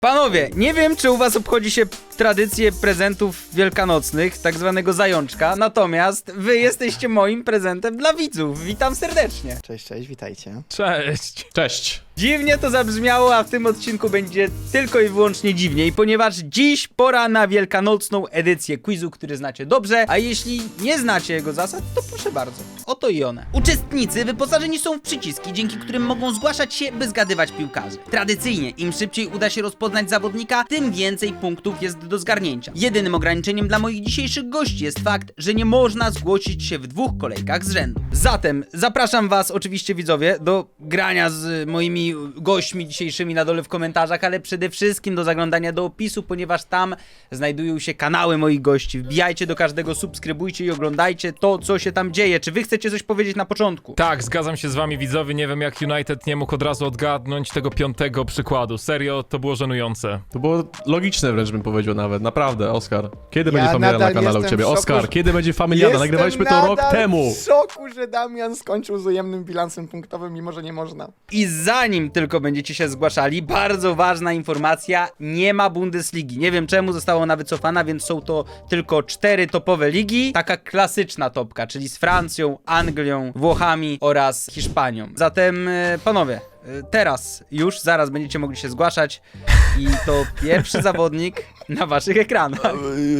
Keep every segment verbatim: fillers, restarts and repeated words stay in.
Panowie, nie wiem, czy u was obchodzi się tradycję prezentów wielkanocnych, tak zwanego zajączka, natomiast wy jesteście moim prezentem dla widzów. Witam serdecznie. Cześć, cześć, witajcie. Cześć. Cześć. Dziwnie to zabrzmiało, a w tym odcinku będzie tylko i wyłącznie dziwniej, ponieważ dziś pora na wielkanocną edycję quizu, który znacie dobrze, a jeśli nie znacie jego zasad, to proszę bardzo, oto i one. Uczestnicy wyposażeni są w przyciski, dzięki którym mogą zgłaszać się, by zgadywać piłkarzy. Tradycyjnie, im szybciej uda się rozpoznać zawodnika, tym więcej punktów jest do zgarnięcia. Jedynym ograniczeniem dla moich dzisiejszych gości jest fakt, że nie można zgłosić się w dwóch kolejkach z rzędu. Zatem zapraszam was, oczywiście widzowie, do grania z moimi gośćmi dzisiejszymi na dole w komentarzach, ale przede wszystkim do zaglądania do opisu, ponieważ tam znajdują się kanały moich gości. Wbijajcie do każdego, subskrybujcie i oglądajcie to, co się tam dzieje. Czy wy chcecie coś powiedzieć na początku? Tak, zgadzam się z wami widzowie, nie wiem jak United nie mógł od razu odgadnąć tego piątego przykładu. Serio, to było żenujące. To było logiczne wręcz bym powiedział nawet, naprawdę, Oskar. Kiedy Ja będzie familiada na nadal kanale u jestem ciebie? w szoku, Oskar, że- kiedy będzie familiada? Nagrywaliśmy to rok nadal temu. w szoku, że Damian skończył z ujemnym bilansem punktowym, mimo że nie można. I zanim tylko będziecie się zgłaszali, bardzo ważna informacja, nie ma Bundesligi. Nie wiem czemu została ona wycofana, więc są to tylko cztery topowe ligi. Taka klasyczna topka, czyli z Francją, Anglią, Włochami oraz Hiszpanią. Zatem e, panowie, e, teraz już, zaraz będziecie mogli się zgłaszać i to pierwszy zawodnik na waszych ekranach.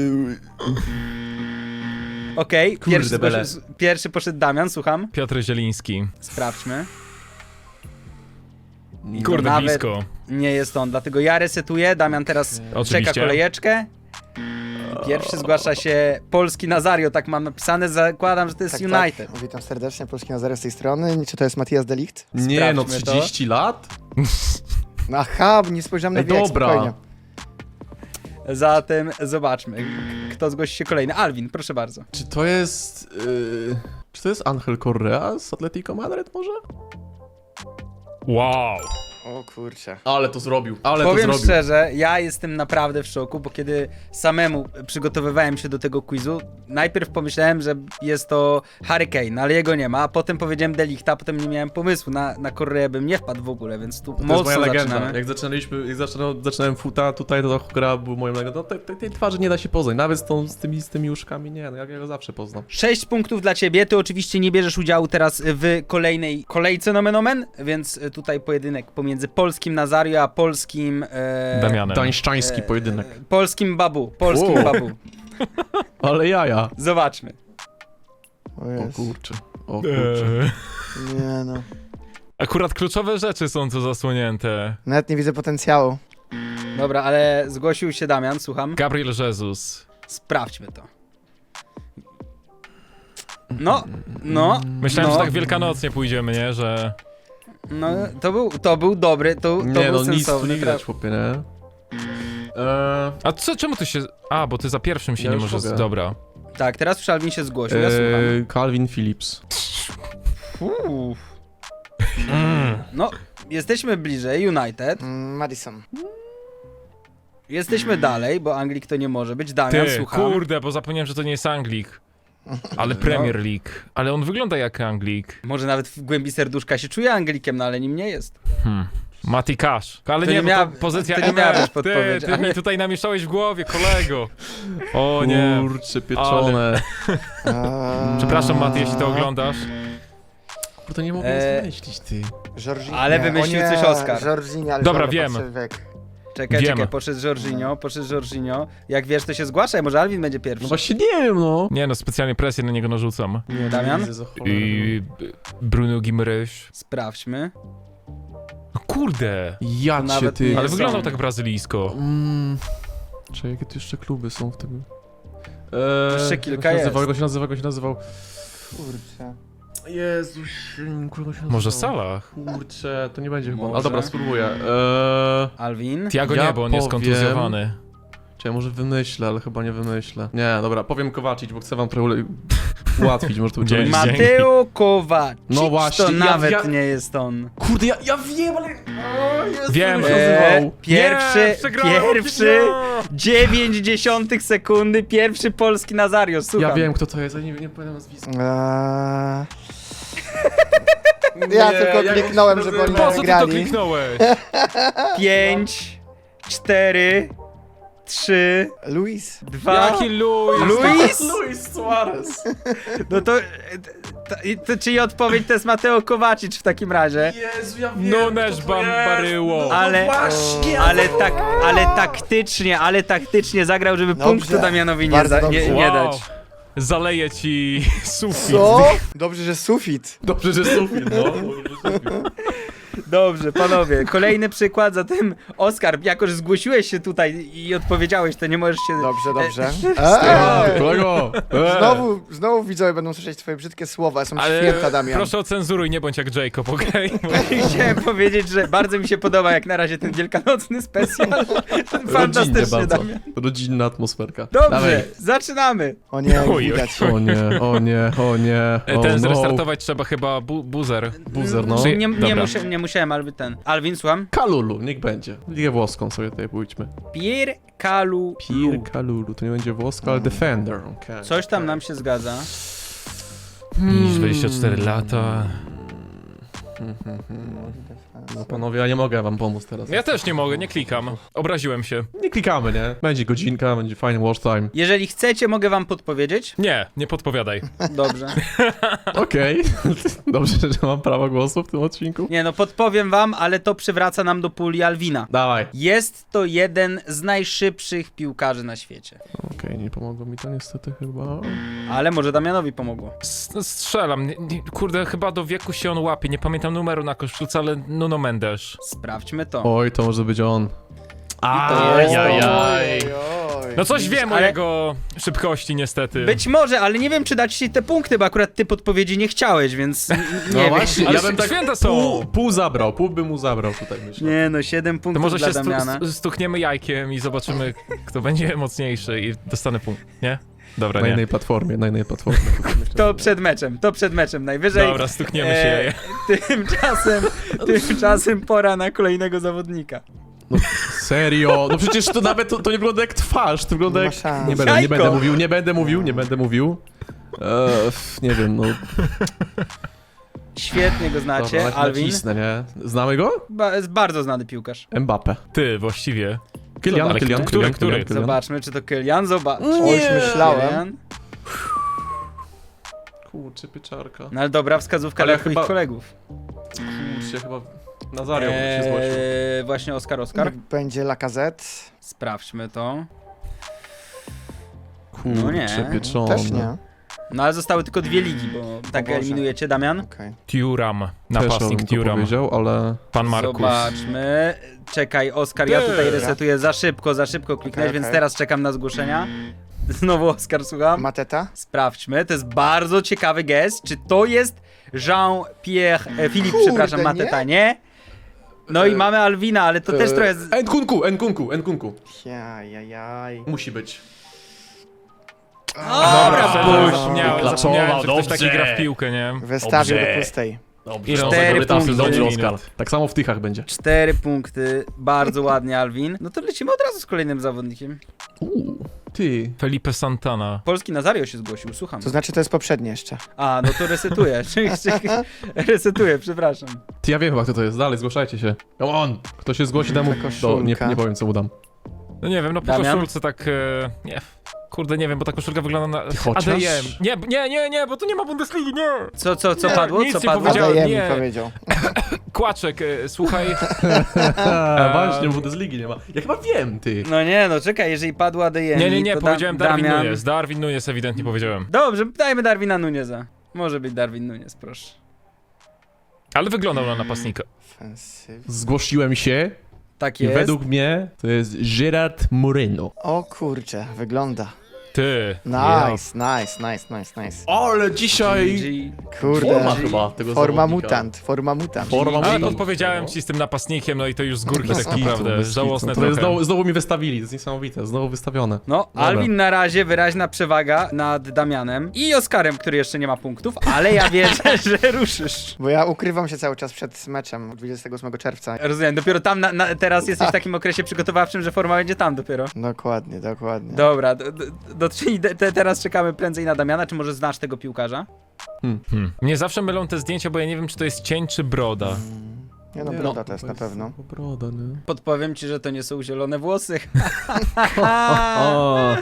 Okej, Kurde pierwszy, bele. poszedł- pierwszy poszedł Damian, słucham. Piotr Zieliński. Sprawdźmy. I to Kurde, nawet blisko. nie jest on, dlatego ja resetuję, Damian teraz Oczywiście. czeka kolejeczkę. I pierwszy zgłasza się polski Nazario, tak mam napisane, zakładam, że to jest Tak, United. tak. Witam serdecznie, Polski Nazario z tej strony. Czy to jest Matias de Ligt? Nie no, Sprawdźmy to. trzydzieści lat? Aha, nie spojrzałem na Ej, wiek, dobra. spokojnie. Zatem zobaczmy, kto zgłosi się kolejny. Alvin, proszę bardzo. Czy to jest... Yy, czy to jest Angel Correa z Atletico Madryt może? Wow. O kurczę. Ale to zrobił, ale Powiem to zrobił. szczerze, ja jestem naprawdę w szoku, bo kiedy samemu przygotowywałem się do tego quizu, najpierw pomyślałem, że jest to Harry Kane, ale jego nie ma, a potem powiedziałem De Lichta, a potem nie miałem pomysłu, na, na Koreę bym nie wpadł w ogóle, więc tu To jest moja mocno legenda. zaczynamy. Jak zaczynaliśmy, jak zaczynałem, zaczynałem futa, tutaj to Correa był moją legendą. No, tej, tej, tej twarzy nie da się poznać, nawet z, tą, z, tymi, z tymi uszkami nie, no jak ja go zawsze poznam. Sześć punktów dla ciebie, ty oczywiście nie bierzesz udziału teraz w kolejnej kolejce nomen omen, więc tutaj pojedynek pomiędzy polskim Nazario a polskim... E, Damianem. Tańszczański e, pojedynek. Polskim Babu, polskim Wow. Babu. Ale jaja. Zobaczmy. O O jest. kurczę, o kurczę. Eee. Nie no. Akurat kluczowe rzeczy są tu zasłonięte. Nawet nie widzę potencjału. Dobra, ale zgłosił się Damian, słucham. Gabriel Jesus. Sprawdźmy to. No, no, Myślałem, no, że tak wielkanocnie pójdziemy, nie? Że... no, to był, to był dobry, to, to Nie był no, nic tu sensowny nie widać, traf. chłopie, nie? Eee, A co, czemu ty się... A, bo ty za pierwszym się Ja nie już możesz... mogę. Dobra. Tak, teraz Szalwin się zgłosił, ja słucham. eee, Calvin Phillips. Uff. No, jesteśmy bliżej, United. Mm, Madison. Jesteśmy dalej, bo Anglik to nie może być. Damian, Ty, słucham. kurde, bo zapomniałem, że to nie jest Anglik. Ale Premier League. Ale on wygląda jak Anglik. Może nawet w głębi serduszka się czuje Anglikiem, no ale nim nie jest. Hmm. Mati Cash. Ale To nie, nie bo miała- to pozycja to nie M miała L. być Ty, podpowiedź, ty ale- mi tutaj namieszałeś w głowie, kolego. O nie. Kurczę, pieczone. Eee, Przepraszam, Mati, jeśli to oglądasz. Kurde, nie mogę Eee, nic wymyślić, ty. Jorginho. Ale Nie, wymyślił o nie, coś Oskar. Jorginho, ale Dobra, dobra, wiem. patrzę w wiek. Czekaj, Wiem. czekaj, poszedł Jorginho, poszedł Jorginho. Jak wiesz, to się zgłaszaj, może Alvin będzie pierwszy. No właśnie nie wiem, no. Nie no, specjalnie presję na niego narzucam. Nie, Damian? widzę za cholerę. I Bruno Guimaraes. Sprawdźmy. No kurde. Ja To cię, nawet ty. nie Ale są. wyglądał tak brazylijsko. Mm. Czekaj, jakie tu jeszcze kluby są w tym? Eee, Jeszcze jak kilka się jest. nazywał, Jak się nazywał, jak się nazywał? Kurczę. Jezus, kurde się Może nazywał. Salah? Kurczę, to nie będzie chyba. Może. Ale dobra, spróbuję. Eee, Alvin. Tiago Ja nie, bo on jest powiem- kontuzjowany. Czekaj, może wymyślę, ale chyba nie wymyślę. Nie, dobra, powiem Kowacic, bo chcę wam trochę ule- ułatwić, może to Dzięki. będzie. Mateo Kowacic. No właśnie, To ja- nawet ja- nie jest on. Kurde, ja, ja wiem, ale... O, Jezu, Wiem. jak się Eee, nazywał. pierwszy, Nie, przegrałem, pierwszy, nie. dziewięć dziesiątych sekundy, pierwszy polski Nazario, słucham. Ja wiem, kto to jest, ale nie, nie pamiętam nazwiska. Eee, Ja tylko jak on się kliknąłem, żeby nazywa? oni Po co ty to grali. kliknąłeś? Pięć, cztery, trzy, Luis. dwa... Jaki Luis? Luis? Luis Suarez. No to, to, to... Czyli odpowiedź to jest Mateo Kovacic w takim razie. Jezu, ja wiem, Nunes kto to Bam- jest. Baryło. No Ale- właśnie, Ale tak, ale taktycznie, ale taktycznie zagrał, żeby Dobrze. punktu Damianowi nie, Bardzo za, nie, dobrze. nie Wow. dać. Zaleję ci sufit. Co? Dobrze, że sufit. Dobrze, że sufit, no. Dobrze, że sufit. Dobrze, panowie, kolejny przykład, zatem Oskar, jako że zgłosiłeś się tutaj i odpowiedziałeś, to nie możesz się... Dobrze, dobrze. Eee, Eee, kolego. Eee. Znowu, znowu widzowie będą słyszeć twoje brzydkie słowa. Są Ale święta, Damian. proszę ocenzuruj, nie bądź jak Jacob, okej? Chciałem powiedzieć, że bardzo mi się podoba jak na razie ten wielkanocny specjal. Rodzinnie Fantastycznie, bardzo. Damian. Rodzinna atmosferka. Dobrze, Dawaj. zaczynamy. O nie, Oj, oj, widać. O nie, o nie, o nie. O Ten no. zrestartować trzeba chyba bu buzer. Buzer, no. Czy- Nie, nie, Dobra. musia, nie musiałem, ale ten. Alvin, słucham. Kalulu, niech będzie. Ligę włoską sobie tutaj pójdźmy. Pier Kalu. Pier Kalulu, to nie będzie włoska, ale Defender. Okay. Coś tam nam się zgadza. Niż dwadzieścia cztery lata. No panowie, ja nie mogę wam pomóc teraz. Ja też nie mogę, nie klikam. Obraziłem się. Nie klikamy, nie? Będzie godzinka, będzie fajny watch time. Jeżeli chcecie, mogę wam podpowiedzieć. Nie, nie podpowiadaj. Dobrze. Okej. Dobrze, że mam prawo głosu w tym odcinku. Nie no, podpowiem wam, ale to przywraca nam do puli Alwina. Dawaj. Jest to jeden z najszybszych piłkarzy na świecie. Okej, nie pomogło mi to niestety chyba. Ale może Damianowi pomogło. S strzelam. Nie, nie, kurde, chyba do wieku się on łapie. Nie pamiętam numeru na koszulce, ale Nuno Mendes. Sprawdźmy to. Oj, to może być on. to jest to. Ajajaj. Oj, oj. No coś wiem o ale- jego szybkości niestety. Być może, ale nie wiem, czy dać ci te punkty, bo akurat ty podpowiedzi nie chciałeś, więc n- nie No wiem. właśnie, Ale ja bym tak święta są. pół, pół zabrał, pół bym mu zabrał tutaj, myślę. Nie no, siedem To punktów może dla się stu Damiana. stu- stukniemy jajkiem i zobaczymy, kto będzie mocniejszy i dostanę punkt, nie? Dobra, Na nie. innej platformie, na innej platformie. To przed meczem, to przed meczem najwyżej. Dobra, stukniemy się E, jajem. Tymczasem, tymczasem pora na kolejnego zawodnika. No, serio? No przecież to nawet to, to nie wygląda jak twarz, to wygląda Nie jak... ma szans. Nie będę, nie Jajko. będę mówił, nie będę mówił, nie będę mówił. Eee, f- nie wiem, no... Świetnie go znacie, Dobra, Alvin. nacisnę, nie? Znamy go? Ba jest bardzo znany piłkarz. Mbappe. Ty, właściwie. Kylian, Zobacz, Kylian, który, Kylian, który? Kylian, Kylian. Zobaczmy, czy to Kylian. Zobacz. Oj, myślałem. Kylian. Kurczę, pieczarka. No ale dobra, wskazówka Ale dla twoich chyba- kolegów. Kurczę, chyba... Nazario się zgłosił. Eee, właśnie Oskar, Oskar. Niech będzie Lacazette. Sprawdźmy to. Kurczę, no nie, pieczone. Też nie. No ale zostały tylko dwie ligi, bo tak Boże. eliminujecie, Damian. Okej. Thuram, Też napastnik bym to Thuram. powiedział, ale... Pan Markus. Zobaczmy. Czekaj, Oskar, ja Ty. tutaj resetuję za szybko, za szybko kliknąłeś, Okej, więc okej. teraz czekam na zgłoszenia. Znowu Oskar, słucham. Mateta? Sprawdźmy, to jest bardzo ciekawy gest. Czy to jest Jean-Pierre, e, Filip, Kurde, przepraszam, nie? Mateta, nie? No i E, mamy Alwina, ale to też Eee, trochę... Z... Nkunku, Nkunku, Nkunku. Jajajaj. Musi być. Dobra, Szczerze, puść. zapomniałem, Klaczowa, zapomniałem, że ktoś taki dobrze. gra w piłkę, nie? Wystawił Dobrze. do pustej. Dobrze. Ile on Cztery zagrał tam punkty. sezonie Oskar. minut? Tak samo w tychach będzie. Cztery punkty, bardzo ładnie, Alwin. No to lecimy od razu z kolejnym zawodnikiem. Uuu, ty. Felipe Santana. Polski Nazario się zgłosił, słucham. To znaczy to jest poprzednie jeszcze. A, no to resetuję. Resetuję, przepraszam. Ty, ja wiem chyba kto to jest, dalej, zgłaszajcie się. Come on! Kto się zgłosi temu... Ta Do, koszulka. nie, nie powiem co mu dam. No nie wiem, no po Damian? koszulce tak... E, nie, kurde, nie wiem, bo ta koszulka wygląda na... chociaż? A D M. Nie, nie, nie, nie, bo tu nie ma Bundesligi, nie! Co, co, co Nie, padło? nic Co nie padło? powiedziałem. Adajemi nie. powiedział. Kłaczek, e, słuchaj... A, właśnie, Bundesligi nie ma. Ja chyba wiem, ty. No nie, no czekaj, jeżeli padła D M. Nie, nie, nie, to powiedziałem da Darwin Damian... Nunes. Darwin Nunes ewidentnie powiedziałem. Dobrze, dajmy Darwina Nuneza. Może być Darwin Nunes, proszę. Ale wyglądał na napastnika. Ofensyw. Zgłosiłem się Tak i jest. według mnie to jest Gerard Moreno. O kurczę, wygląda. Ty. Nice, nice, nice, nice, nice. Ale dzisiaj... G. Kurde. Forma chyba tego Forma zawodnika. mutant, forma mutant. Forma Ale mutant. podpowiedziałem ci z tym napastnikiem, no i to już z górki Bez tak kitu, naprawdę. bez Żałosne kitu. To jest trochę. znowu, znowu mi wystawili, to jest niesamowite, znowu wystawione. No, Dobra. Alvin na razie wyraźna przewaga nad Damianem i Oskarem, który jeszcze nie ma punktów, ale ja wierzę, że ruszysz. Bo ja ukrywam się cały czas przed meczem dwudziestego ósmego czerwca. Rozumiem, dopiero tam na, na, teraz jesteś w takim okresie przygotowawczym, że forma będzie tam dopiero. Dokładnie, dokładnie. Dobra, do, do, do, czyli de, te, teraz czekamy prędzej na Damiana, czy może znasz tego piłkarza? Hmm. Mnie zawsze mylą te zdjęcia, bo ja nie wiem, czy to jest cień, czy broda. Nie no, Nie, broda to jest na jest pewno. Broda, nie? Podpowiem ci, że to nie są zielone włosy. O,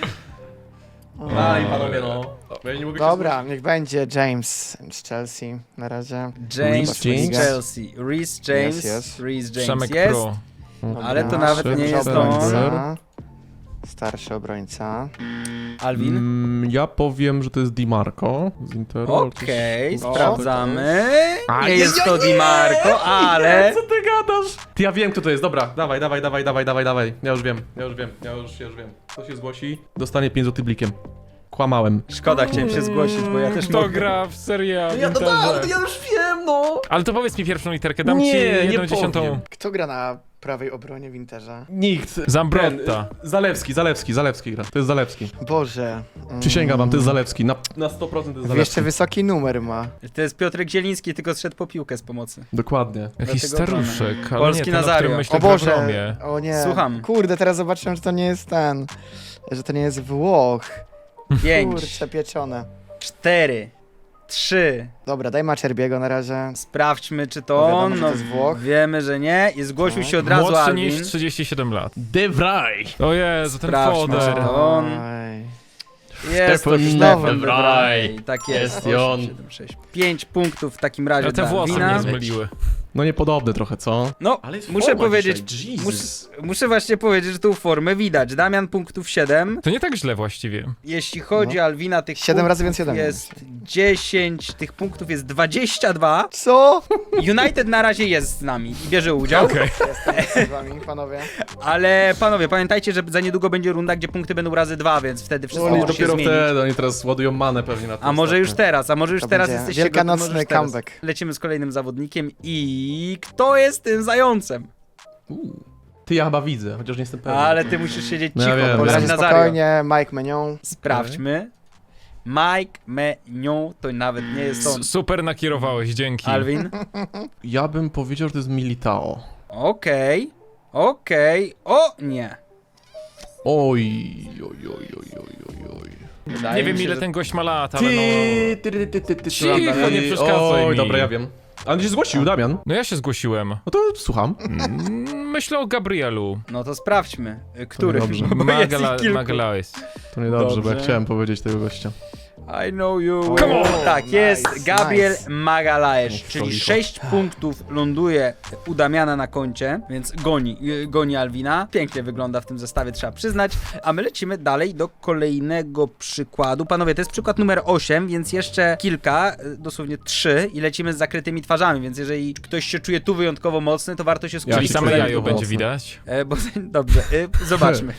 A, i panowie, no. Ja nie mogę się Dobra, niech będzie James z Chelsea na razie. James Reece Reece James? Chelsea. Reece James. Jest, jest. Reece James Przemek jest. Pro. Dobra, Ale to nawet nie starszy jest obrońca. Starszy obrońca. Alvin. Mm, ja powiem, że to jest Di Marco z Interu. ale coś- Okej, O, sprawdzamy. A, Nie nie, jest nie, to Di Marco, ale... Co ty gadasz? Ty, ja wiem, kto to jest. Dobra, dawaj, dawaj, dawaj, dawaj, dawaj, dawaj. Ja już wiem, ja już wiem, ja już, ja już wiem. Kto się zgłosi, dostanie pięć złotych blikiem. Kłamałem. Szkoda, chciałem się zgłosić, bo ja też Kto mogę. gra w Serie A w Ja, no, Interze? tak, ja już wiem, no. Ale to powiedz mi pierwszą literkę, dam Nie, ci nie jedną powiem. dziesiątą. Kto gra na prawej obronie w Interze? Nikt. Zambrotta. Ten, Zalewski, Zalewski, Zalewski gra. To jest Zalewski. Boże. Mm. Przysięgam wam, to jest Zalewski. Na, na sto procent to jest Zalewski. Jeszcze wysoki numer ma. To jest Piotrek Zieliński, tylko zszedł po piłkę z pomocy. Dokładnie. Jakiś Dlatego staruszek, ale Polski nie ten, o Nazario. którym myślę, O gra w Boże. Romie. O nie. Słucham. Kurde, teraz zobaczyłem, że to nie jest ten. Że to nie jest Włoch. Pięć, Kurczę, pieczone. cztery, trzy. Dobra, daj Maczerbiego na razie. Sprawdźmy, czy No to wiadomo, on. że No, to jest Włoch. wiemy, że nie. I zgłosił Tak. się od razu Młodszy Alvin. niż trzydzieści siedem lat. De Vrij. O Jezu, ten Sprawdźmy, foder. czy to on. Oj. Jest to Stefan Stefan de de Vrij. Vrij. Tak jest. Jest i on. osiem, siedem, sześć. pięć punktów w takim razie Ale te dla włosy Alvina. mnie zmyliły. No niepodobne trochę, co? No, Ale jest muszę forma powiedzieć, dzisiaj, mus, Jesus. muszę właśnie powiedzieć, że tą formę widać. Damian punktów siedem. To nie tak źle właściwie. Jeśli chodzi No. o Alwina, tych Siedem punktów razy więcej ode mnie. jest dziesięć, tych punktów jest dwadzieścia dwa. Co? United na razie jest z nami i bierze udział. Okej. Jestem z wami, panowie. Ale panowie, pamiętajcie, że za niedługo będzie runda, gdzie punkty będą razy dwa, więc wtedy wszystko Oni może się dopiero zmienić. wtedy, oni teraz ładują manę pewnie na to. A może już teraz, a może już To teraz będzie jesteście wielkanocny gotowi, może już teraz. comeback. Lecimy z kolejnym zawodnikiem i kto jest tym zającem? Ty, ja chyba widzę, chociaż nie jestem pewien. Ale ty musisz siedzieć No ja cicho, wiem, bo Na wiem. razie razie Nazario. spokojnie, Mike Menion. Sprawdźmy. Mike Menion, to nawet nie jest on. S- Super nakierowałeś, dzięki. Alvin? Ja bym powiedział, że to jest Militao. Okej, okej, o nie. Oj, oj, oj, oj, oj, oj, oj. Wydaje Nie mi wiem się, ile że- ten gość ma lat, ale Ty, no... ty, ty, ty, ty, ty, Cicho, ty. nie przeszkadzaj Oj, mi. dobra, ja wiem. A on się zgłosił, Damian. No ja się zgłosiłem. No to słucham. Mm, Myślę o Gabrielu. No to sprawdźmy, y, który. dobrze. Bo jest ich Magala- kilku. Magalhaes. To niedobrze, bo ja Dobrze. chciałem powiedzieć tego gościa. I know you will. Come on. Tak, Nice, jest Gabriel nice. Magalhaes, Niech czyli licho. sześć punktów ląduje u Damiana na koncie, więc goni, y, goni Alwina. Pięknie wygląda w tym zestawie, trzeba przyznać. A my lecimy dalej do kolejnego przykładu. Panowie, to jest przykład numer osiem, więc jeszcze kilka, y, dosłownie trzy i lecimy z zakrytymi twarzami, więc jeżeli ktoś się czuje tu wyjątkowo mocny, to warto się skupić. Czyli się same czuję jajo mocno. będzie widać. E, bo, dobrze, y, zobaczmy.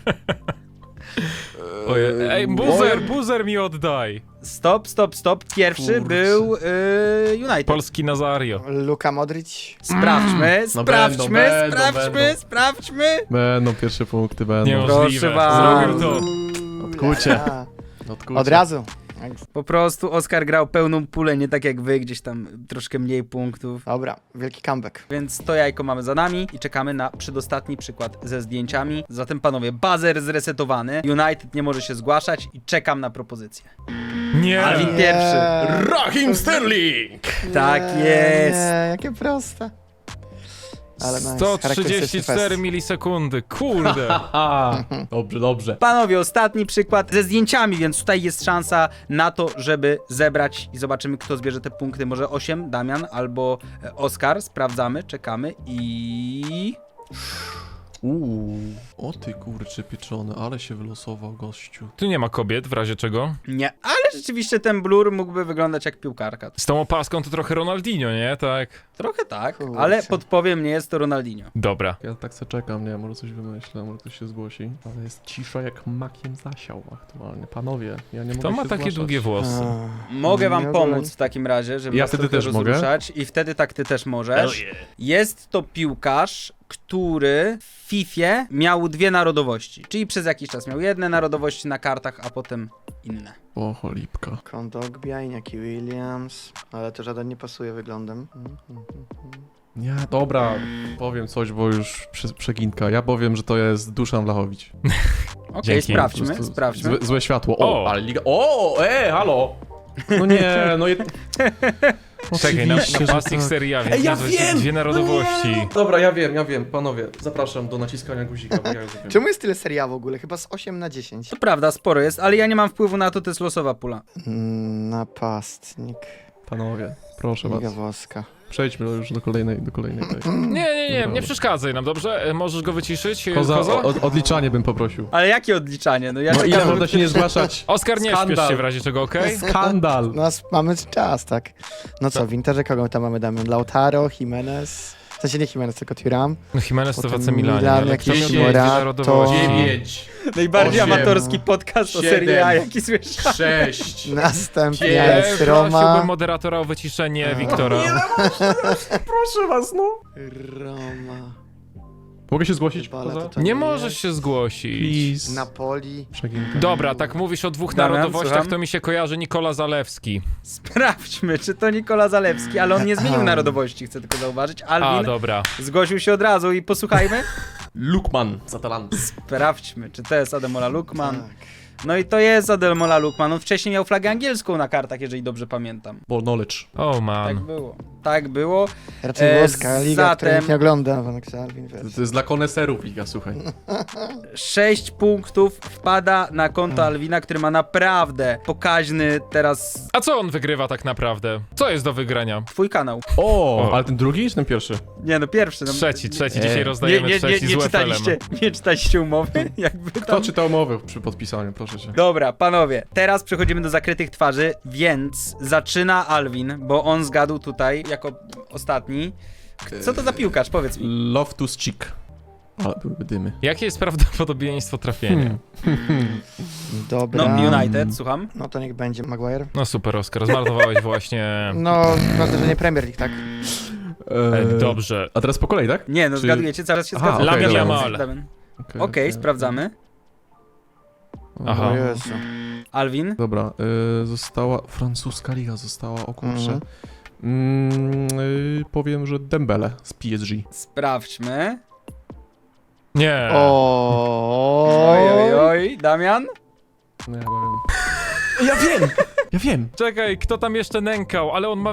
Oje, ej, buzer, buzer mi oddaj. Stop, stop, stop. Pierwszy Kurczę. był y, United. Polski Nazario. Luka Modric. Sprawdźmy, No sprawdźmy, będą, będą, sprawdźmy, będą. sprawdźmy. Będą pierwsze punkty, będą. Niemożliwe. Proszę Zrobił bardzo. to. Odkucie. A, Odkucie. Od razu. Po prostu Oskar grał pełną pulę, nie tak jak wy, gdzieś tam troszkę mniej punktów. Dobra, wielki comeback. Więc to jajko mamy za nami i czekamy na przedostatni przykład ze zdjęciami. Zatem panowie, buzzer zresetowany, United nie może się zgłaszać i czekam na propozycję. Nie. Alvin Nie. pierwszy. Rahim Sterling! Tak Nie, jest. Nie, jakie proste. Ale nice, sto charakterystyczny trzydzieści cztery fest. milisekundy. Kurde. Aha, dobrze, dobrze. Panowie, ostatni przykład ze zdjęciami, więc tutaj jest szansa na to, żeby zebrać i zobaczymy, kto zbierze te punkty. Może osiem, Damian albo e, Oskar. Sprawdzamy, czekamy i... Uuu, o ty kurcze pieczony, ale się wylosował gościu. Tu nie ma kobiet, w razie czego. Nie, ale rzeczywiście ten blur mógłby wyglądać jak piłkarka. Z tą opaską to trochę Ronaldinho, nie? Tak. Trochę tak, Kurczę. ale podpowiem, nie jest to Ronaldinho. Dobra. Ja tak se czekam, nie, może coś wymyślę, może ktoś się zgłosi. Ale jest cisza jak makiem zasiał aktualnie. Panowie, ja nie mogę To ma się takie zgłaszać. długie włosy. A, Mogę wam nie ogólnie. pomóc w takim razie, żeby Ja was wtedy trochę też mogę? rozruszać i wtedy tak ty też możesz. Jest to piłkarz, który w Fifie miał dwie narodowości, czyli przez jakiś czas miał jedne narodowości na kartach, a potem inne. O, cholipka. Kondogbia, Iñaki Williams, ale to żaden nie pasuje wyglądem. Mm, mm, mm. Nie, dobra, powiem coś, bo już prze, przeginka. Ja powiem, że to jest Duszan Vlahović. Okej, Dzięki. Po sprawdźmy, prostu sprawdźmy. Złe, złe światło. O, O! ale liga... O, e, halo! No nie, no je... Czekaj, na, Oczywiście, że napastnik tak. Serie A, więc Ej, ja nazwa- wiem! dwie narodowości. No nie, no. Dobra, ja wiem, ja wiem, panowie, zapraszam do naciskania guzika, bo ja już wiem. Czemu jest tyle seria w ogóle? Chyba z osiem na dziesięć. To prawda, sporo jest, ale ja nie mam wpływu na to, to jest losowa pula. Mm, Napastnik. Panowie, proszę Liga was, włoska. przejdźmy już do kolejnej, do kolejnej tej. Nie, nie, nie, Dobra. nie przeszkadzaj nam, dobrze? E, Możesz go wyciszyć, Koza, Koza? o, odliczanie bym poprosił. Ale jakie odliczanie? No ja No czekam, ile żeby można się nie zgłaszać? Oskar, nie śpiesz Skandal. się w razie czego, okej? Skandal! No, s- mamy czas, tak. No co, w Interze kogo tam mamy? Damy Lautaro, Jimenez. W sensie nie Jimenez, tylko Thuram. No Jimenez to w A C Potem Milanie, Milan, ale jakiś kto miał Morato, dwie narodowości? dziewięć, najbardziej osiem, amatorski podcast o Serie A, jaki słyszałem. sześć. Następnie Pies, jest Prosiłbym Roma. moderatora o wyciszenie A. Wiktora. Proszę was, no. Roma. Mogę się zgłosić? Dybala Koza? tutaj Nie jest. możesz się zgłosić. Please. Napoli. Przeginka. Dobra, tak mówisz o dwóch Damian, narodowościach, słucham? to mi się kojarzy Nikola Zalewski. Sprawdźmy, czy to Nikola Zalewski, ale on nie zmienił narodowości, chcę tylko zauważyć. A, Alvin dobra. zgłosił się od razu i posłuchajmy. Lukman z Atalanty. Sprawdźmy, czy to jest Ademola Lukman. Tak. No i to jest Ademola Lukman. On wcześniej miał flagę angielską na kartach, jeżeli dobrze pamiętam. Ball knowledge. Oh Tak man. było. Tak było. Raczej E, włoska liga, której zatem- nikt nie ogląda. Vanek Alvin, wiesz. To jest dla koneserów liga, słuchaj. Sześć punktów wpada na konto Alwina, który ma naprawdę pokaźny teraz A co on wygrywa tak naprawdę? Co jest do wygrania? twój kanał. O, O. ale ten drugi czy ten pierwszy? Nie no, pierwszy. No, Trzeci, trzeci. Nie. Dzisiaj Nie, rozdajemy nie, nie, trzeci nie, z U F L-em. czytaliście, nie czytaliście umowy? Jakby Kto tam... czytał umowę przy podpisaniu, proszę cię. Dobra, panowie, teraz przechodzimy do zakrytych twarzy, więc zaczyna Alvin, bo on zgadł tutaj jako ostatni. Co to za piłkarz? Powiedz mi. Loftus Cheek. Ale byłyby dymy. Jakie jest prawdopodobieństwo trafienia? Dobra. No, United, słucham. No to niech będzie Maguire. No super, Oskar, zmarnowałeś właśnie... No, ważne, że nie Premier League, tak? E, Eee, Dobrze. A teraz po kolei, tak? Nie, no Czy- zgadujecie, cały się Aha, zgadza. okej, Lamine dobra. Yamal. Okej, Okej, okay, sprawdzamy. Aha. O Jezu. Alvin, Dobra, y, została... Francuska liga została, o kurczę. Mhm. Mm, y, powiem, że Dembele z P S G. sprawdźmy. Nie. O. Oj, oj, oj, Damian? No ja chyba wiem. Ja wiem! Ja wiem! Czekaj, kto tam jeszcze nękał, ale on ma...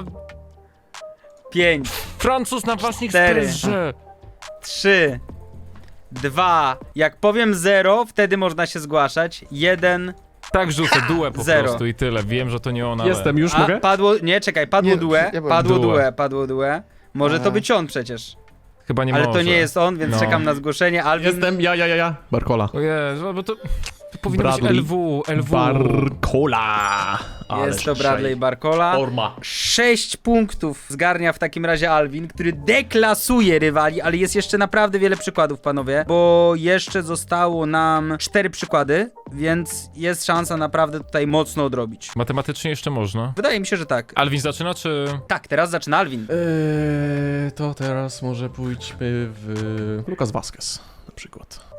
Pięć, Francuz napastnik z Cztery. P S G. trzy, dwa. Jak powiem zero, wtedy można się zgłaszać. Jeden. Tak rzucę, duę po Zero. prostu i tyle. Wiem, że to nie on, ale... Jestem, już A, mogę? padło, nie, czekaj, padło Nie, due, ja byłem. padło Due. due, padło due. Może to A. być on przecież. Chyba nie Ale może. to nie jest on, więc No. czekam na zgłoszenie. Alvin, Jestem, ja, ja, ja, ja. Barcola. O Jezu, bo to... To powinno Bradley. być L W, L W. Barcola! jest to Bradley Barcola. Forma. Sześć punktów zgarnia w takim razie Alvin, który deklasuje rywali, ale jest jeszcze naprawdę wiele przykładów, panowie, bo jeszcze zostało nam cztery przykłady, więc jest szansa naprawdę tutaj mocno odrobić. Matematycznie jeszcze można. Wydaje mi się, że tak. Alvin zaczyna, czy... Tak, teraz zaczyna Alvin. Eee, to teraz może pójdźmy w... Lucas Vazquez na przykład.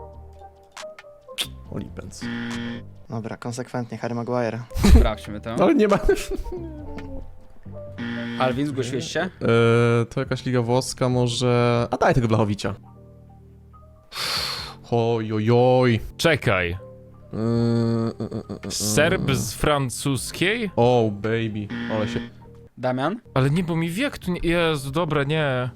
Olipens. Dobra, konsekwentnie Harry Maguire. Sprawdźmy to. Ale nie ma... Alvin, zgłosiłeś się? Eee, to jakaś liga włoska może... A daj tego Blachowicza. Oj, oj, oj. Czekaj. Eee, e, e, e, Serb z francuskiej? Oh, baby. Ale się... Damian? Ale nie, bo mi wiek tu nie... Jezu, dobra, nie.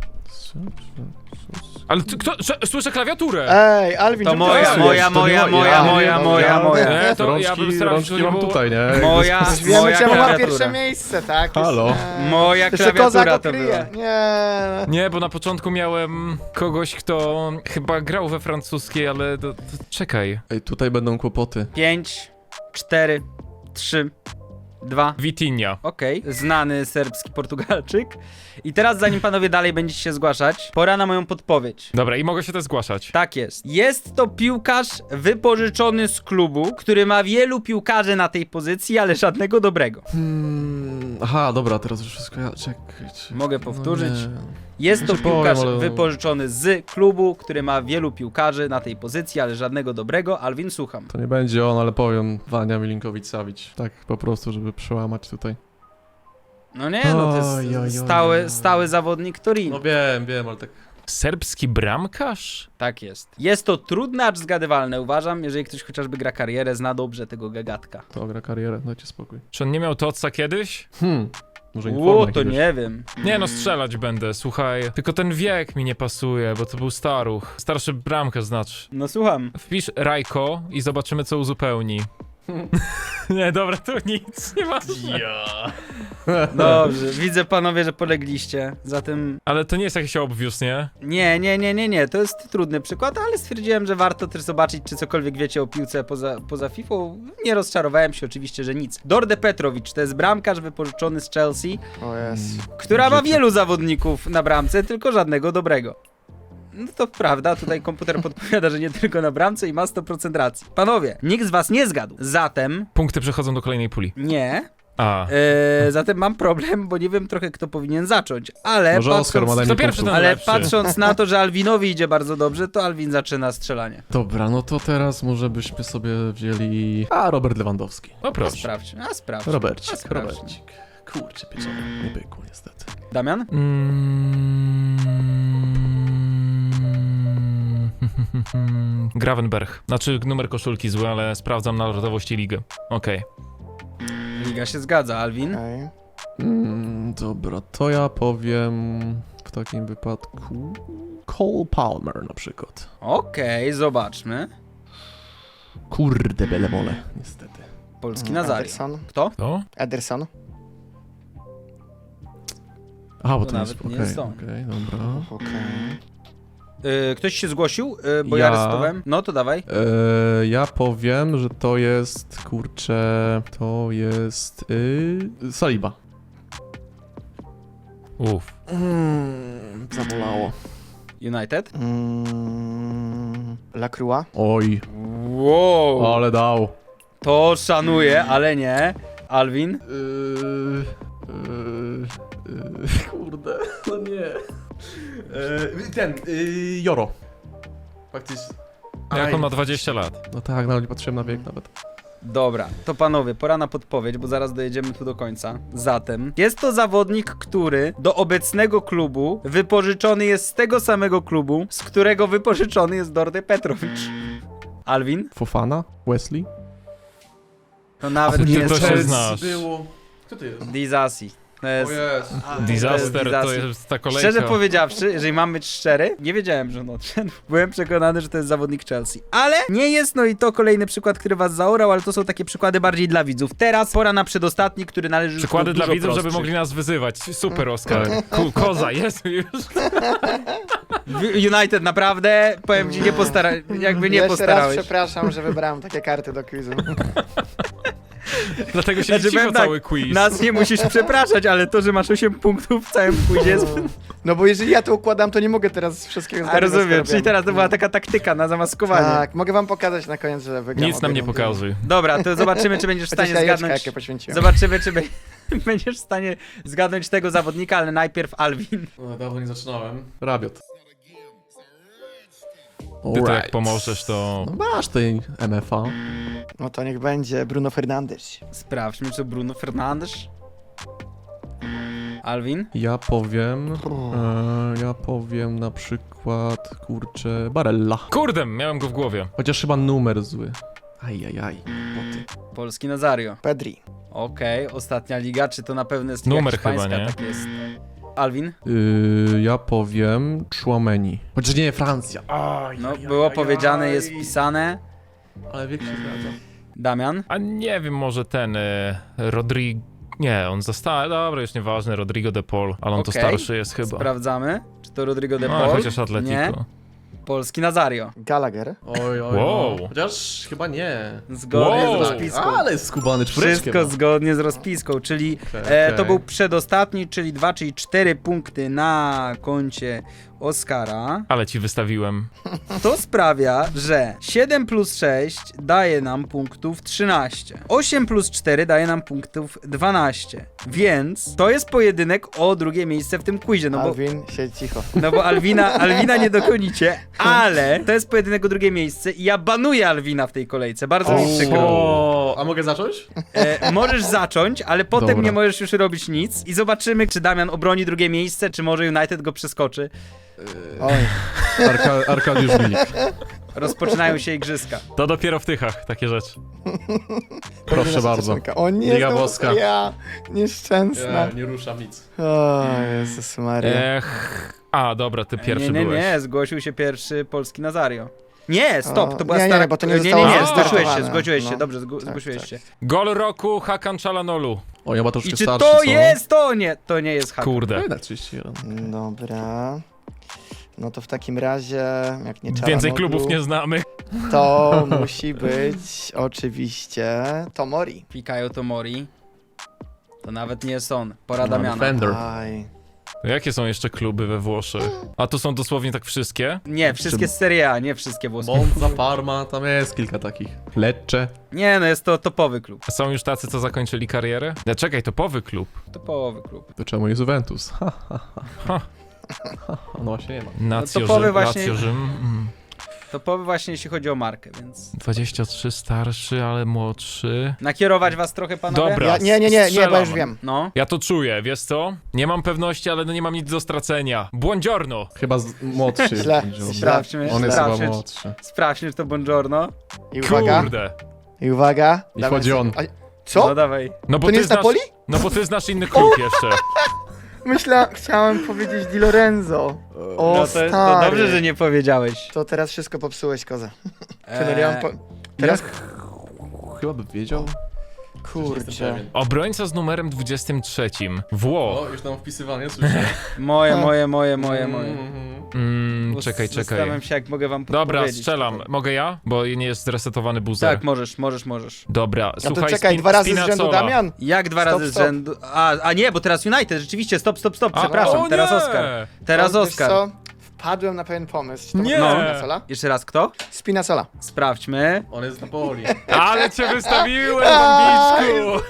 Ale ty, kto... Sz- Słyszę klawiaturę! Ej, Alvin, To czemu moja, ty moja, pracujesz? moja, To nie moja, moja, moja, nie, moja, dobrze. moja. Nie, to rączki, ja bym starał się, rączki żeby mam było- tutaj, nie? Moja, Już wiemy, moja czemu ma klawiatura. pierwsze miejsce, tak? Halo? Jest, Moja Jeszcze klawiatura Kozak to okryje. była. Nie. Nie, bo na początku miałem kogoś, kto chyba grał we francuskiej, ale to, to, czekaj. Ej, tutaj będą kłopoty. Pięć, cztery, trzy, dwa. Vitinha. Okej, znany serbski Portugalczyk. I teraz, zanim panowie dalej będziecie się zgłaszać, pora na moją podpowiedź. Dobra, i mogę się też zgłaszać. Tak jest. Jest to piłkarz wypożyczony z klubu, który ma wielu piłkarzy na tej pozycji, ale żadnego dobrego. Hmm, aha, dobra, teraz już wszystko ja... Czekaj. czekaj. Mogę powtórzyć. No nie. Jest to Znaczy powiem, piłkarz ale- wypożyczony z klubu, który ma wielu piłkarzy na tej pozycji, ale żadnego dobrego. Alvin, słucham. To nie będzie on, ale powiem Wania Milinkowicz-Savic. Tak po prostu, żeby przełamać tutaj. No nie, no to Oj, oj, oj, jest stały, oj. stały zawodnik Torino. No wiem, wiem, ale tak... Serbski bramkarz? Tak jest. Jest to trudne, acz zgadywalne, uważam, jeżeli ktoś chociażby gra karierę, zna dobrze tego gagatka. To gra karierę, dajcie spokój. Czy on nie miał Totsa kiedyś? Hmm. Może informa Ło, to jakiegoś. nie wiem. Nie no, strzelać będę, słuchaj. Tylko ten wiek mi nie pasuje, bo to był staruch. Starszy bramkę znaczy. No słucham. Wpisz Rajko i zobaczymy, co uzupełni. Nie, dobra, to nic, nie ma. Dobrze, widzę panowie, że polegliście. Zatem Ale to nie jest jakiś obvious, nie? nie, nie, nie, nie, nie. To jest trudny przykład, ale stwierdziłem, że warto też zobaczyć, czy cokolwiek wiecie o piłce poza, poza FIFA. Nie rozczarowałem się oczywiście, że nic. Dorde Petrovic to jest bramkarz wypożyczony z Chelsea, O jest. która ma wielu zawodników na bramce, tylko żadnego dobrego. No to prawda, tutaj komputer podpowiada, że nie tylko na bramce i ma sto procent racji. Panowie, nikt z was nie zgadł. Zatem Punkty przechodzą do kolejnej puli. nie. A. Eee, zatem mam problem, bo nie wiem trochę, kto powinien zacząć, ale Może Oskar ma patrząc, najmniej Kto pierwszy, punktów. ten ale lepszy. patrząc na to, że Alwinowi idzie bardzo dobrze, to Alwin zaczyna strzelanie. Dobra, no to teraz może byśmy sobie wzięli... A, Robert Lewandowski. No A proszę. sprawdź, a sprawdź. A Robercik, sprawdź. Robercik. Kurczę, pieczony. Nie pykło niestety. Damian? Mm... Gravenberg. Znaczy numer koszulki zły, ale sprawdzam narodowość i ligę. Okej. Liga się zgadza, Alwin? Okej. Mm, dobra, to ja powiem w takim wypadku Cole Palmer na przykład. Okej, zobaczmy. Kurde, belemole, niestety. Polski Nazario. Ederson. Kto? To? Ederson. A, bo To to jest... nawet nie Okej, jest on. okej, dobra. Okej. Yy, ktoś się zgłosił? Yy, bo ja, Ja. resetowałem. No to dawaj. Eee, ja powiem, że to jest, kurczę, to jest yy, Saliba. Uff. Mm, zabolało. United? Mm, Lacroix. Oj, Wow. ale dał. To szanuję, ale nie. Alwin? Yy, yy, yy, kurde, no nie. Yy, ten, yy, Joro. Faktycznie. Jak on ma dwadzieścia lat? No tak, nawet nie patrzyłem na wiek nawet. Dobra, to panowie, pora na podpowiedź, bo zaraz dojedziemy tu do końca. Zatem, jest to zawodnik, który do obecnego klubu wypożyczony jest z tego samego klubu, z którego wypożyczony jest Dorde Petrovic. Alwin? Fofana? Wesley? To nawet ty nie to jest się znasz. Było. Kto to jest? Dizasi. To jest... jest. Disaster to Disaster. jest ta kolejka. Szczerze powiedziawszy, jeżeli mam być szczery, nie wiedziałem, że on odszedł. Byłem przekonany, że to jest zawodnik Chelsea. Ale nie jest, no i to kolejny przykład, który was zaorał, ale to są takie przykłady bardziej dla widzów. Teraz pora na przedostatni, który należy już Przykłady do dla dużo widzów, żeby prostszych. mogli nas wyzywać. Super, Oskar. Ku, koza, jest już. United naprawdę, powiem ci, nie postara... jakby nie Jeszcze postarałeś. raz przepraszam, że wybrałem takie karty do quizu. Dlatego się Znaczy, cicho powiem tak, cały quiz. Nas nie musisz przepraszać, ale to, że masz osiem punktów w całym quizie jest... No bo jeżeli ja to układam, to nie mogę teraz wszystkiego A zgadnąć. rozumiem, czyli teraz to była taka taktyka na zamaskowanie. Tak, mogę wam pokazać na koniec, że wygram. Nic nam nie obie rundy. pokazuj. Dobra, to zobaczymy, czy będziesz w Chociaż stanie jajeczka, zgadnąć... jakie poświęciłem. Zobaczymy, czy be... będziesz w stanie zgadnąć tego zawodnika, ale najpierw Alwin. No, dawno nie zaczynałem. Rabiot. Ty to jak pomożesz, to... No masz tej M F A. No to niech będzie Bruno Fernandes. Sprawdźmy, czy Bruno Fernandes. Alwin? Ja powiem... E, ja powiem na przykład, kurczę, Barella. Kurde, miałem go w głowie. Chociaż chyba numer zły. Ajajaj, boty. Polski Nazario. Pedri. Okej, ostatnia liga, czy to na pewno jest liga Numer hiszpańska? chyba, nie? Tak jest. Alwin? Yy, ja powiem Chouameni. Chociaż nie, Francja. Aj, No, aj, było aj, powiedziane, aj. jest pisane. Ale wiek się zgadza. Damian? A nie wiem, może ten... Y, Rodrigo... Nie, on został... Dobra, już nieważne, Rodrigo de Paul, ale on to Okej. starszy jest chyba. Sprawdzamy. Czy to Rodrigo de No, Paul? chociaż Atletico. Nie. Polski Nazario. Gallagher. Oj, oj, Wow. no. Chociaż chyba nie. Zgodnie Wow. z rozpiską. Ale skubany czwóreczkiem. Wszystko zgodnie z rozpiską, czyli Okej, e, okej. to był przedostatni, czyli dwa, czyli cztery punkty na koncie Oskara. Ale ci wystawiłem. To sprawia, że siedem plus sześć daje nam punktów trzynaście. osiem plus cztery daje nam punktów dwanaście. Więc to jest pojedynek o drugie miejsce w tym quizie, no bo, Alvin, siedź cicho. no bo Alwina, Alwina nie dokonicie, ale to jest pojedynek o drugie miejsce i ja banuję Alwina w tej kolejce, bardzo mi przykro. O, a mogę zacząć? E, możesz zacząć, ale potem Dobra. nie możesz już robić nic i zobaczymy, czy Damian obroni drugie miejsce, czy może United go przeskoczy. Oj, Arka Arkadiusz Milik. Rozpoczynają się igrzyska. To dopiero w tychach takie rzeczy. Proszę nasza bardzo. dziewczynka. O nie, Liga znowu włoska. ja, nieszczęsna. Ja nie ruszam nic. O, Jezus Maria. Ech. A, dobra, ty pierwszy nie, nie, byłeś. nie, zgłosił się pierwszy polski Nazario. Nie, stop, O, to była nie, nie, stara... nie, bo to nie nie, nie, zostało nie, zastartowane. zgłosiłeś się, zgłosiłeś się, No. dobrze, zgł- Tak, zgłosiłeś tak. się. Gol roku Hakan Çalhanoğlu. O, ja ma troszkę I czy starszy, to co? jest to? Nie, to nie jest Hakan. Kurde. Na trzydzieści jeden. Dobra. No to w takim razie, jak nie Więcej Çalhanoğlu, klubów nie znamy. to musi być oczywiście Tomori. Fikayo Tomori. To nawet nie jest on, pora No, Damiana. Defender. Aj. Jakie są jeszcze kluby we Włoszech? A to są dosłownie tak wszystkie? Nie, wszystkie z Serie A, nie wszystkie włoskie. Monza, Parma, tam jest kilka takich. Lecce. Nie, no jest to topowy klub. Są już tacy, co zakończyli karierę? No, czekaj, topowy klub. Topowy klub. To czemu jest Juventus? Ha, ha, ha. Ha. Ha, No właśnie nie ma. Nacjo, topowy Rzym, właśnie- Lazio, Rzym. Mm. Topowy właśnie jeśli chodzi o markę, więc... dwadzieścia trzy starszy, ale młodszy. Nakierować was trochę, panowie? Dobra. Ja, nie, nie, nie, nie, bo strzelam. już wiem. No. Ja to czuję, wiesz co? Nie mam pewności, ale no nie mam nic do stracenia. Buongiorno! Chyba z... młodszy jest. Źle. będzie. Sprawdźmy, On jest chyba sprawdźmy, młodszy. sprawdźmy, czy to buongiorno. I uwaga, Kurde! i uwaga. I Dawaj chodzi sobie- on. A- Co? No dawaj. No bo To nie ty jest znasz, Napoli? No bo ty znasz inny klub jeszcze. Myślałem, chciałem powiedzieć Di Lorenzo. O, No to, stary. to dobrze, że nie powiedziałeś. To teraz wszystko popsułeś, koza. Eee, Trener, ja mam po... Teraz, Chyba by wiedział. kurczę. Obrońca z numerem dwudziestym trzecim. Włoch. O, już tam wpisywanie, słyszę. Moje, moje, moje, moje, moje. Mhm. Mm, Bo czekaj, Zastanawiam czekaj. się, jak mogę wam Dobra, podpowiedzieć strzelam. tutaj. Mogę ja? Bo nie jest zresetowany buzzer. Tak, możesz, możesz, możesz. Dobra, No słuchaj, to czekaj, spin, dwa razy z rzędu Spinazzola. Damian. Jak dwa Stop, razy z stop. rzędu... A, a nie, bo teraz United, rzeczywiście, stop, stop, stop, A, przepraszam, o teraz nie! Oskar. Teraz O, wiesz Oskar. co? Wpadłem na pewien pomysł. Czy to Nie! może być Spinazzola? Jeszcze raz, kto? Spinazzola. Sprawdźmy. On jest z Napoli. Ale cię wystawiłem, bambiczku!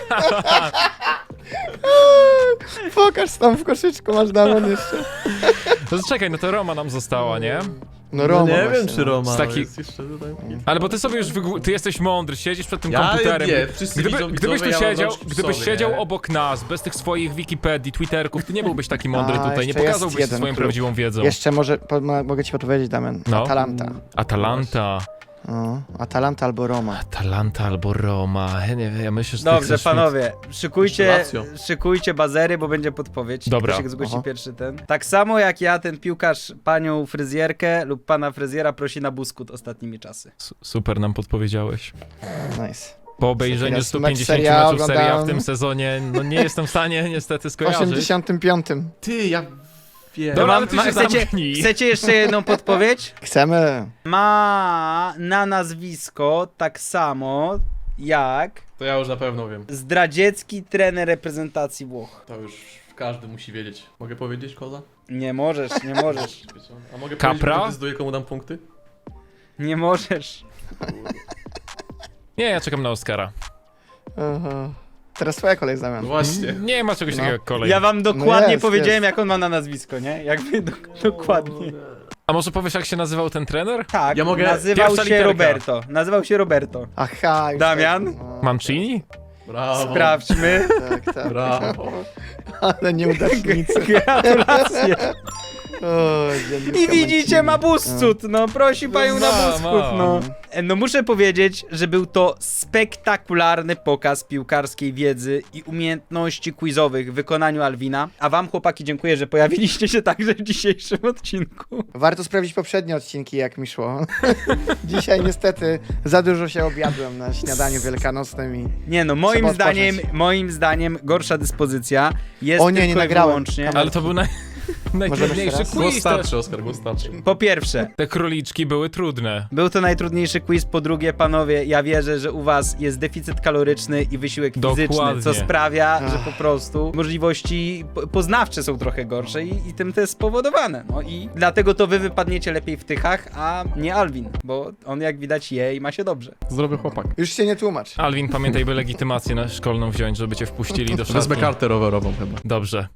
Pokaż tam w koszyczku, masz Damian jeszcze. No to czekaj, no to Roma nam została, nie? No Roma nie właśnie, wiem, czy Roma Z taki- jest jeszcze tutaj. Ale bo ty sobie już wygł... Ty jesteś mądry, siedzisz przed tym Ja komputerem. nie, wszyscy Gdyby, widzą gdybyś tu widzowie, ja mam siedział, rączki w gdybyś sobie, siedział nie? obok nas, bez tych swoich Wikipedii, Twitterków, ty nie byłbyś taki mądry A, tutaj, nie jeszcze jest pokazałbyś jeden swoją klub. prawdziwą wiedzą. Jeszcze może, po, mo- mogę ci podpowiedzieć, Damian. No. Atalanta. Atalanta. O, Atalanta albo Roma. Atalanta albo Roma. Ja nie wiem, ja myślę, że ty Dobrze, chcesz panowie, szykujcie, Lazio. szykujcie bazery, bo będzie podpowiedź. Dobra. Ktoś zgłosi Aha. pierwszy ten. Tak samo jak ja, ten piłkarz panią fryzjerkę lub pana fryzjera prosi na buskut ostatnimi czasy. Mi... S- Super nam podpowiedziałeś. Nice. Po obejrzeniu Teraz stu mecz pięćdziesięciu Serie A meczów Serie A w oglądałem. tym sezonie, no nie jestem w stanie niestety W skojarzyć. osiemdziesiątym piątym. Ty, ja wiem. Dobra, Mam- ale ty ma- się chcecie, zamknij. chcecie jeszcze jedną podpowiedź? Chcemy. Ma na nazwisko tak samo jak To ja już na pewno wiem. zdradziecki trener reprezentacji Włoch. To już każdy musi wiedzieć. Mogę powiedzieć, koza? Nie możesz, nie możesz, A mogę Capra? powiedzieć, kto decyduje, komu dam punkty? nie możesz. Nie, ja czekam na Oscara. Aha. Teraz twoja kolej, No Damian. właśnie. Nie ma czegoś No. takiego jak kolej. Ja wam dokładnie jest, powiedziałem, jest. jak on ma na nazwisko, nie? Jakby do, dokładnie. A może powiesz, jak się nazywał ten trener? Tak, Ja mogę- nazywał pierwsza się literka. Roberto. Nazywał się Roberto. Aha, już Damian? Tak, no, Mancini? Brawo. Sprawdźmy. tak, tak. Brawo. Ale nieudacznicy. Gratulacje. O, dziennika I widzicie, ma Mancini. buscud, no prosi panią na ma, buscud, ma. no. E, No muszę powiedzieć, że był to spektakularny pokaz piłkarskiej wiedzy i umiejętności quizowych w wykonaniu Alwina. A wam, chłopaki, dziękuję, że pojawiliście się także w dzisiejszym odcinku. Warto sprawdzić poprzednie odcinki, jak mi szło. Dzisiaj niestety za dużo się objadłem na śniadaniu wielkanocnym i... Nie no, moim Trzeba zdaniem, odpocząć. moim zdaniem gorsza dyspozycja jest O nie, nie tylko i nagrałem. wyłącznie... Kamer- Ale to był naj... najtrudniejszy jeszcze raz? Głos quiz. Te, starczy, Oskar, głos starczy. Po pierwsze, te króliczki były trudne. był to najtrudniejszy quiz. Po drugie, panowie, ja wierzę, że u was jest deficyt kaloryczny i wysiłek fizyczny, Dokładnie. co sprawia, że Ach. po prostu możliwości po- poznawcze są trochę gorsze i, i tym to jest spowodowane. No i dlatego to wy wypadniecie lepiej w tychach, a nie Alwin, bo on jak widać je i ma się dobrze. Zdrowy chłopak. Już się nie tłumacz. Alwin, pamiętaj, by legitymację na szkolną wziąć, żeby cię wpuścili do Wezmę szatni. kartę rowerową chyba. Dobrze.